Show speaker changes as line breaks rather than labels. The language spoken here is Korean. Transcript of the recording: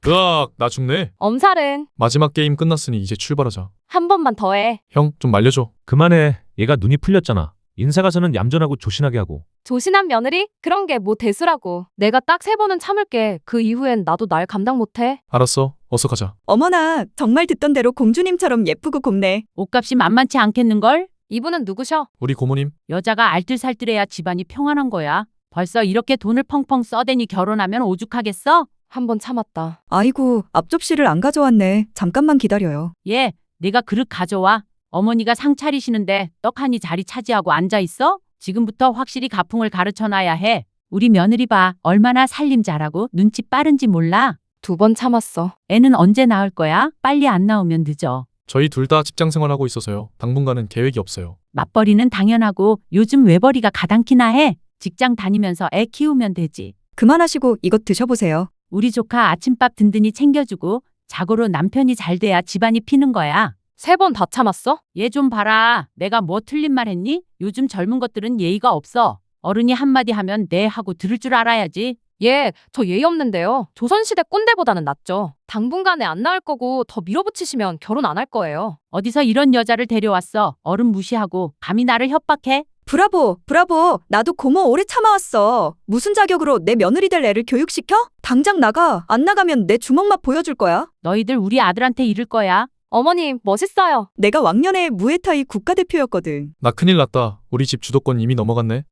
으악, 나 죽네.
엄살은
마지막 게임 끝났으니 이제 출발하자.
한 번만 더 해.
형, 좀 말려줘.
그만해. 얘가 눈이 풀렸잖아. 인사 가서는 얌전하고 조신하게 하고.
조신한 며느리? 그런 게 뭐 대수라고. 내가 딱 3번은 참을게. 그 이후엔 나도 날 감당 못해.
알았어, 어서 가자.
어머나, 정말 듣던 대로 공주님처럼 예쁘고 곱네.
옷값이 만만치 않겠는걸?
이분은 누구셔?
우리 고모님.
여자가 알뜰살뜰해야 집안이 평안한 거야. 벌써 이렇게 돈을 펑펑 써대니 결혼하면 오죽하겠어?
한 번 참았다.
아이고, 앞접시를 안 가져왔네. 잠깐만 기다려요.
얘, 내가 그릇 가져와. 어머니가 상 차리시는데 떡하니 자리 차지하고 앉아있어? 지금부터 확실히 가풍을 가르쳐놔야 해. 우리 며느리 봐. 얼마나 살림 잘하고 눈치 빠른지 몰라.
2번 참았어.
애는 언제 낳을 거야? 빨리 안 나오면 늦어.
저희 둘 다 직장 생활하고 있어서요. 당분간은 계획이 없어요.
맞벌이는 당연하고 요즘 외벌이가 가당키나 해. 직장 다니면서 애 키우면 되지.
그만하시고 이것 드셔보세요.
우리 조카 아침밥 든든히 챙겨주고 자고로 남편이 잘 돼야 집안이 피는 거야.
3번 다 참았어?
얘 좀 봐라. 내가 뭐 틀린 말 했니? 요즘 젊은 것들은 예의가 없어. 어른이 한마디 하면 네 하고 들을 줄 알아야지.
예, 저 예의 없는데요. 조선시대 꼰대보다는 낫죠. 당분간에 안 나을 거고 더 밀어붙이시면 결혼 안 할 거예요.
어디서 이런 여자를 데려왔어. 어른 무시하고 감히 나를 협박해?
브라보, 브라보. 나도 고모 오래 참아왔어. 무슨 자격으로 내 며느리 될 애를 교육시켜? 당장 나가. 안 나가면 내 주먹맛 보여줄 거야.
너희들 우리 아들한테 이를 거야.
어머님, 멋있어요.
내가 왕년에 무에타이 국가대표였거든.
나 큰일 났다. 우리 집 주도권 이미 넘어갔네.